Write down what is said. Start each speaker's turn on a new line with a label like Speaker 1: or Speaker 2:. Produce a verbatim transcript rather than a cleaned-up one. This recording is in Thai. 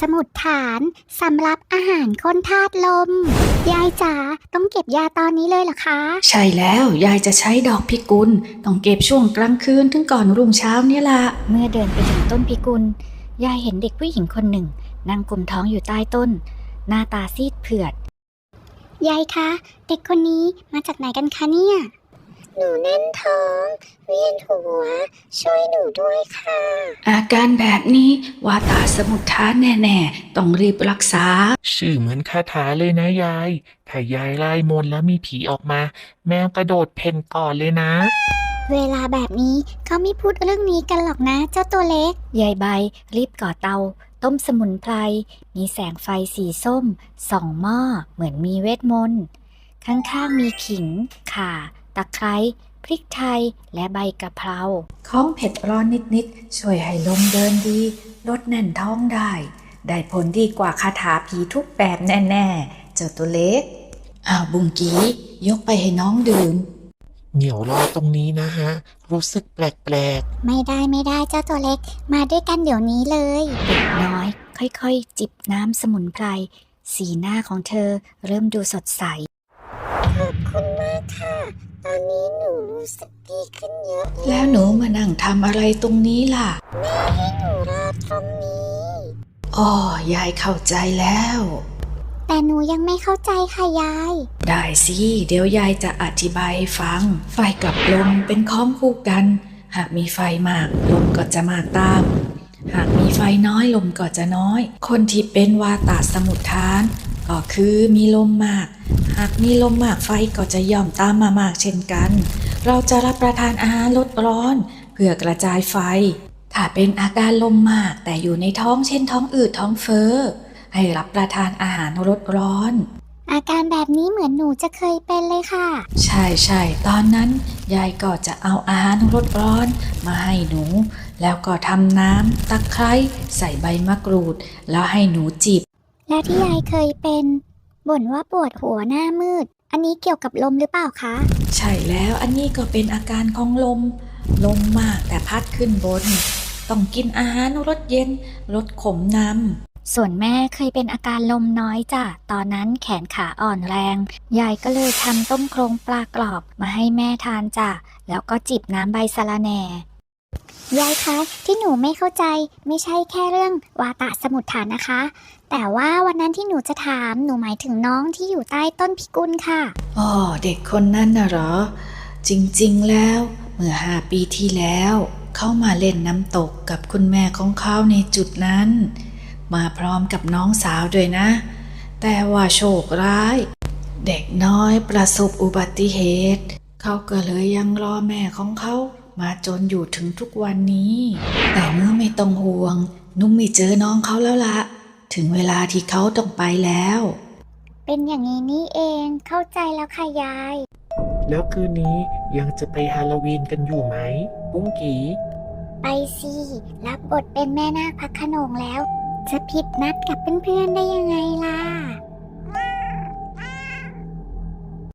Speaker 1: สมุทรฐานสำรับอาหารคนธาตุลมยายจ๋าต้องเก็บยาตอนนี้เลยเหรอคะ
Speaker 2: ใช่แล้วยายจะใช้ดอกพิกุลต้องเก็บช่วงกลางคืนถึงก่อนรุ่งเช้าเนี่ยล่ะ
Speaker 3: เมื่อเดินไปถึงต้นพิกุลยายเห็นเด็กผู้หญิงคนหนึ่งนั่งกุมท้องอยู่ใต้ต้นหน้าตาซีดเผือด
Speaker 1: ยายคะเด็กคนนี้มาจากไหนกันคะเนี่ยหนูแน่นท้องเวียนหัวช่วยหนูด้วยค่ะ
Speaker 2: อาการแบบนี้วาตาสมุทฐานแน่ๆต้องรีบรักษา
Speaker 4: ชื่อเหมือนคาถาเลยนะยายถ้ายายไล่มนต์แล้วมีผีออกมาแมวกระโดดเพ่นก่อนเลยนะ
Speaker 1: เวลาแบบนี้เขาไม่พูดเรื่องนี้กันหรอกนะเจ้าตัวเล็ก
Speaker 3: ยายใบรีบก่อเตาต้มสมุนไพรมีแสงไฟสีส้มส่องหม้อเหมือนมีเวทมนต์ข้างๆมีขิงข่าตะไคร้พริกไทยและใบกะเพรา
Speaker 2: ของเผ็ดร้อนนิดๆช่วยให้ลมเดินดีลดแน่นท้องได้ได้ผลดีกว่าคาถาผีทุกแบบแน่ๆเจ้าตัวเล็กอ้าวบุงกี้ยกไปให้น้องดื่ม
Speaker 4: เหนียวรอตรงนี้นะฮะรู้สึกแปลก
Speaker 1: ๆไม่ได้ไม่ได้เจ้าตัวเล็กมาด้วยกันเดี๋ยวนี้เลย
Speaker 3: เด็กน้อยค่อยๆจิบน้ำสมุนไพรสีหน้าของเธอเริ่มดูสดใส
Speaker 1: ขอบคุณมากค่ะตอนนี้หนูรู้สึกดีขึ้นเยอะ
Speaker 2: แล้วหนูมานั่งทำอะไรตรงนี้ล่ะ
Speaker 1: แม่ให้หนูรอตรงนี้
Speaker 2: อ๋อยายเข้าใจแล้ว
Speaker 1: แต่หนูยังไม่เข้าใจค่ะยาย
Speaker 2: ได้สิเดี๋ยวยายจะอธิบายให้ฟังไฟกับลมเป็นข้องคู่กันหากมีไฟมากลมก็จะมากตามหากมีไฟน้อยลมก็จะน้อยคนที่เป็นวาตาสมุทฐานก็คือมีลมมากหากมีลมมากไฟก็จะย่อมตามมามากเช่นกันเราจะรับประทานอาหารลดร้อนเพื่อกระจายไฟถ้าเป็นอาการลมมากแต่อยู่ในท้องเช่นท้องอืดท้องเฟ้อให้รับประทานอาหารลดร้อน
Speaker 1: อาการแบบนี้เหมือนหนูจะเคยเป็นเลยค่ะ
Speaker 2: ใช่ใช่ตอนนั้นยายก็จะเอาอาหารลดร้อนมาให้หนูแล้วก็ทำน้ำตะไคร้ใส่ใบมะกรูดแล้วให้หนูจิบ
Speaker 1: แล้วที่ยายเคยเป็นบ่นว่าปวดหัวหน้ามืดอันนี้เกี่ยวกับลมหรือเปล่าคะ
Speaker 2: ใช่แล้วอันนี้ก็เป็นอาการของลมลมมากแต่พัดขึ้นบนต้องกินอาหารรสเย็นลดขมนำ
Speaker 3: ส่วนแม่เคยเป็นอาการลมน้อยจ้ะตอนนั้นแขนขาอ่อนแรงยายก็เลยทำต้มโครงปลากรอบมาให้แม่ทานจ้ะแล้วก็จิบน้ำใบสะระแหน่
Speaker 1: ยายคะที่หนูไม่เข้าใจไม่ใช่แค่เรื่องวาตะสมุทฐานนะคะแต่ว่าวันนั้นที่หนูจะถามหนูหมายถึงน้องที่อยู่ใต้ต้นพิกุลค่ะ
Speaker 2: อ๋อเด็กคนนั้นน่ะเหรอจริงๆแล้วเมื่อห้าปีที่แล้วเขามาเล่นน้ำตกกับคุณแม่ของเขาในจุดนั้นมาพร้อมกับน้องสาวด้วยนะแต่ว่าโชคร้ายเด็กน้อยประสบอุบัติเหตุเขาก็เลยยังรอแม่ของเขามาจนอยู่ถึงทุกวันนี้แต่เมื่อไม่ต้องห่วงนุ่มไม่เจอน้องเขาแล้วละถึงเวลาที่เขาต้องไปแล้ว
Speaker 1: เป็นอย่างนี้นี่เองเข้าใจแล้วค่ะยาย
Speaker 4: แล้วคืนนี้ยังจะไปฮาโลวีนกันอยู่ไหมบุ้งกี
Speaker 1: ไปสิรับบทเป็นแม่นาคพระโขนงแล้วจะผิดนัดกับเพื่อนๆได้ยังไงล่ะ